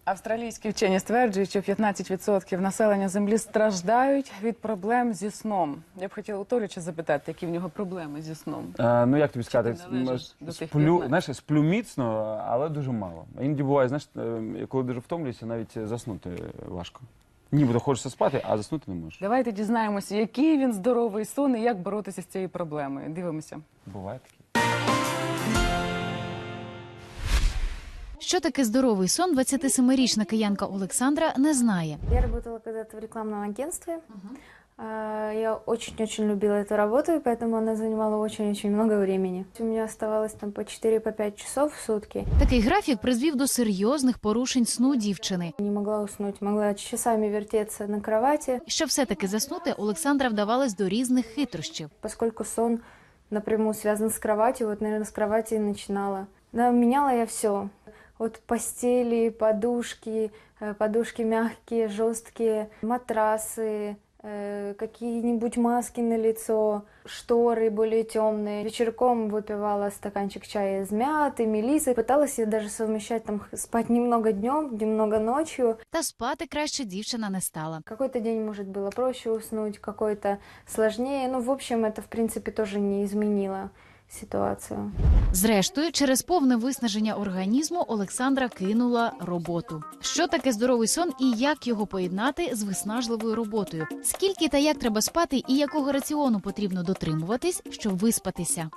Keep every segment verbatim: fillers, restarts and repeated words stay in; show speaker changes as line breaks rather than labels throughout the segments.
Австралійські вчені стверджують, що п'ятнадцять відсотків населення Землі страждають від проблем зі сном. Я б хотіла у Толіча запитати, які в нього проблеми зі сном.
А, ну, як тобі сказати,
ти належиш до тих
сплю,
п'ятнадцяти?
знаєш, сплю міцно, але дуже мало. Іноді буває, знаєш, коли дуже втомлююся, навіть заснути важко. Нібито хочеться спати, а заснути не можеш.
Давайте дізнаємося, який він здоровий сон і як боротися з цією проблемою. Дивимося.
Буває таке.
Що таке здоровий сон, двадцятисемирічна киянка Олександра не знає.
Я работала когда-то в рекламном агентстве. Uh-huh. Я очень-очень любила эту работу, и поэтому она занимала очень-очень много времени. У меня оставалось там по четыре-пять часов в сутки.
Такий графік призвів до серйозних порушень сну дівчини.
Не могла уснуть, могла часами вертеться на кровати.
Щоб все-таки заснути, Олександра вдавалась до різних хитрощів.
Поскольку сон напрямую связан с кроватью, вот, наверное, с кровати и начинала. Да, меняла я все. От постели, подушки, подушки мягкие, жесткие, матрасы, какие-нибудь маски на лицо, шторы более темные. Вечерком выпивала стаканчик чая из мяты, мелисы. Пыталась я даже совмещать, там, спать немного днем, немного ночью.
Та спати краще дівчина не стала.
Какой-то день, может, было проще уснуть, какой-то сложнее. Ну, в общем, это, в принципе, тоже не изменило ситуацію.
Зрештою, через повне виснаження організму Олександра кинула роботу. Що таке здоровий сон і як його поєднати з виснажливою роботою? Скільки та як треба спати і якого раціону потрібно дотримуватись, щоб виспатися?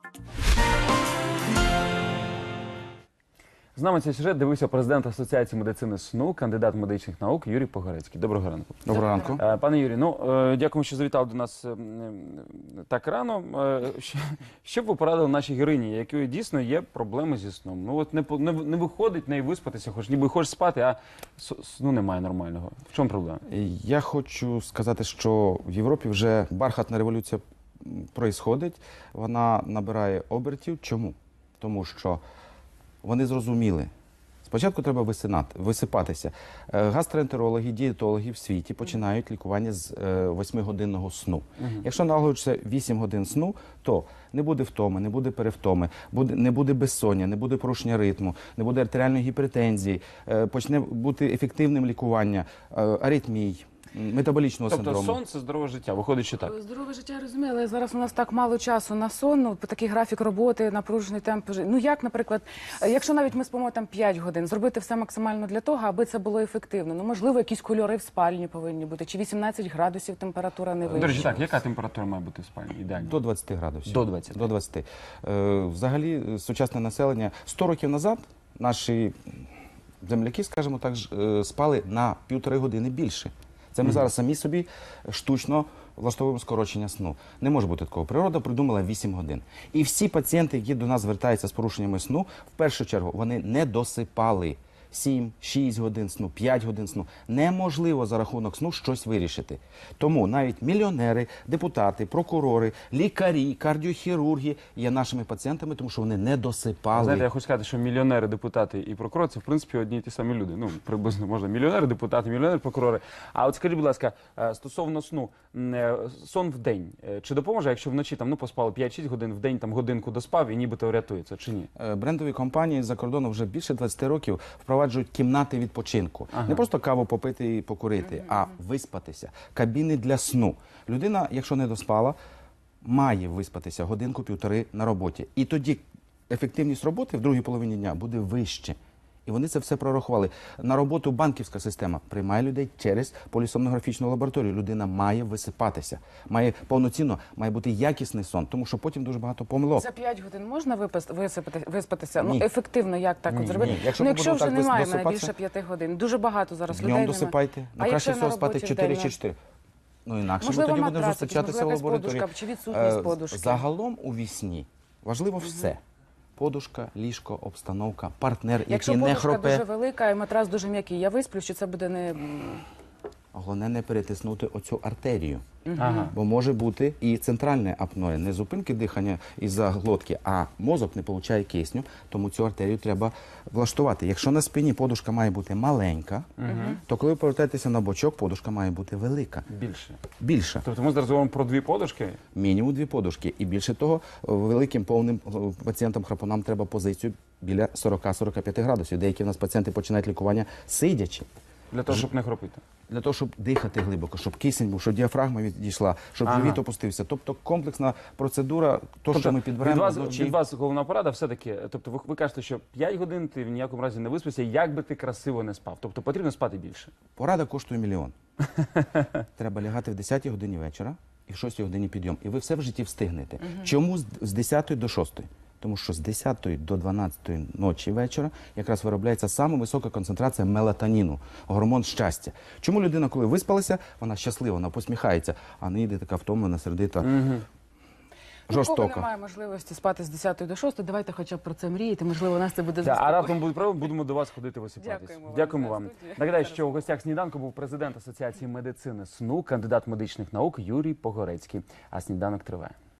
З нами цей сюжет дивився президент Асоціації медицини сну, кандидат медичних наук Юрій Погорецький. Доброго ранку.
Доброго ранку.
Е, Пане Юрій, ну, е, дякуємо, що завітав до нас е, так рано. Е, що, що б ви порадили нашій героїні, якої дійсно є проблеми зі сном? Ну, от не, по- не, не виходить в неї виспатися, хоч ніби хочеш спати, а с- сну немає нормального. В чому проблема?
Я хочу сказати, що в Європі вже бархатна революція проїсходить. Вона набирає обертів. Чому? Тому що вони зрозуміли. Спочатку треба висинати, висипатися. Е, Гастроентерологи, дієтологи в світі починають лікування з е, восьмигодинного сну. Якщо налагоджується вісім годин сну, то не буде втоми, не буде перевтоми, буде, не буде безсоння, не буде порушення ритму, не буде артеріальної гіпертензії, е, почне бути ефективним лікування е, аритмій, метаболічного
Тобто
синдрому.
сон – це здорове життя, виходить, що так.
Здорове життя, я розумію, але зараз у нас так мало часу на сон, ну, такий графік роботи, напружений темп життя. Ну як, наприклад, якщо навіть ми спимо там п'ять годин, зробити все максимально для того, аби це було ефективно. Ну, можливо, якісь кольори в спальні повинні бути, чи вісімнадцять градусів температура не
До речі,
вища.
так, яка температура має бути в спальні? Ідеально.
До двадцяти градусів.
До двадцяти.
До двадцяти. Е, взагалі, е, сучасне населення сто років назад наші земляки, скажімо так, ж, е, спали на півтори години більше. Це ми зараз самі собі штучно влаштовуємо скорочення сну. Не може бути такого. Природа придумала вісім годин. І всі пацієнти, які до нас звертаються з порушеннями сну, в першу чергу вони не досипали. сім, шість годин сну, п'ять годин сну. Неможливо за рахунок сну щось вирішити. Тому навіть мільйонери, депутати, прокурори, лікарі, кардіохірурги є нашими пацієнтами, тому що вони не досипали.
Знаєте, я хочу сказати, що мільйонери, депутати і прокурори – це, в принципі, одні і ті самі люди. Ну, приблизно можна мільйонери, депутати, мільйонери, прокурори. А от скажіть, будь ласка, е, стосовно сну, м, е, сон в день, е, чи допоможе, якщо вночі там, ну, поспали п'ять-шість годин, в день там годинку доспав і нібито рятується, чи ні?
Е, Брендові компанії за кордону вже більше двадцяти років впроваджують кімнати відпочинку.
Ага.
Не просто каву попити і покурити, а виспатися. Кабіни для сну. Людина, якщо не доспала, має виспатися годинку-півтори на роботі. І тоді ефективність роботи в другій половині дня буде вище. І вони це все прорахували. На роботу банківська система приймає людей через полісомнографічну лабораторію. Людина має висипатися, має повноцінно, має бути якісний сон, тому що потім дуже багато помилок.
За п'ять годин можна випас- висипати, виспатися?
Ні.
Ну, ефективно, як так
Ні,
от зробити?
ні. Якщо
Ну,
ми
якщо
будемо
вже
так
немає
досипатися-
більше п'яти годин. Дуже багато зараз людей
Днем
немає.
досипайте,
А
ну краще
якщо
всього
на
спати
роботі
чотири
вдень,
чи чотири. Ну інакше
Можливо,
ми тоді будемо
матрацик,
зустрічатися в
можливо, якась
лабораторії.
подушка чи відсутність
Е,
подушки.
Загалом у вісні важливо все. Подушка, ліжко, обстановка, партнер,
якщо
який не
подушка
хропе.
дуже велика і матрас дуже м'який, я висплю, що це буде не... м,
Головне не перетиснути оцю артерію.
Ага.
Бо може бути і центральне апноє, не зупинки дихання із-за глотки, а мозок не отримує кисню, тому цю артерію треба влаштувати. Якщо на спині подушка має бути маленька, то коли ви повертаєтеся на бочок, подушка має бути велика,
Більше.
більша.
Тобто ми зараз говоримо про дві подушки?
Мінімум дві подушки. І більше того, великим повним пацієнтам-храпунам треба позицію біля сорок-сорок п'ять градусів. Деякі в нас пацієнти починають лікування сидячи.
Для того, щоб не хропити.
Для того, щоб дихати глибоко, щоб кисень був, щоб діафрагма відійшла, щоб
Ага.
живіт опустився. Тобто комплексна процедура, то, що ми
від
підберемо
вас,
вночі.
від вас головна порада все-таки, тобто ви, ви кажете, що п'ять годин ти в ніякому разі не виспався, як би ти красиво не спав. Тобто потрібно спати більше.
Порада коштує мільйон. Треба лягати в десятій годині вечора і в шостій годині підйом. І ви все в житті встигнете. Чому з- з десятої до шостої? Тому що з десятої до дванадцятої ночі вечора якраз виробляється саме висока концентрація мелатоніну, гормон щастя. Чому людина, коли виспалася, вона щаслива, вона посміхається, а не йде така втомлена, сердита,
Ну, у кого
жорстока.
немає можливості спати з десятої до шостої, давайте хоча б про це мріяти. Можливо, у нас це буде
Так, а
заспокоювати.
раптом буде правда, будемо до вас ходити висипатись.
Дякуємо вам
Дякуємо
за
вам.
студію.
Нагадаю,
Зараз
що у гостях сніданку був президент Асоціації медицини СНУ, кандидат медичних наук Юрій Погорецький. А сніданок триває.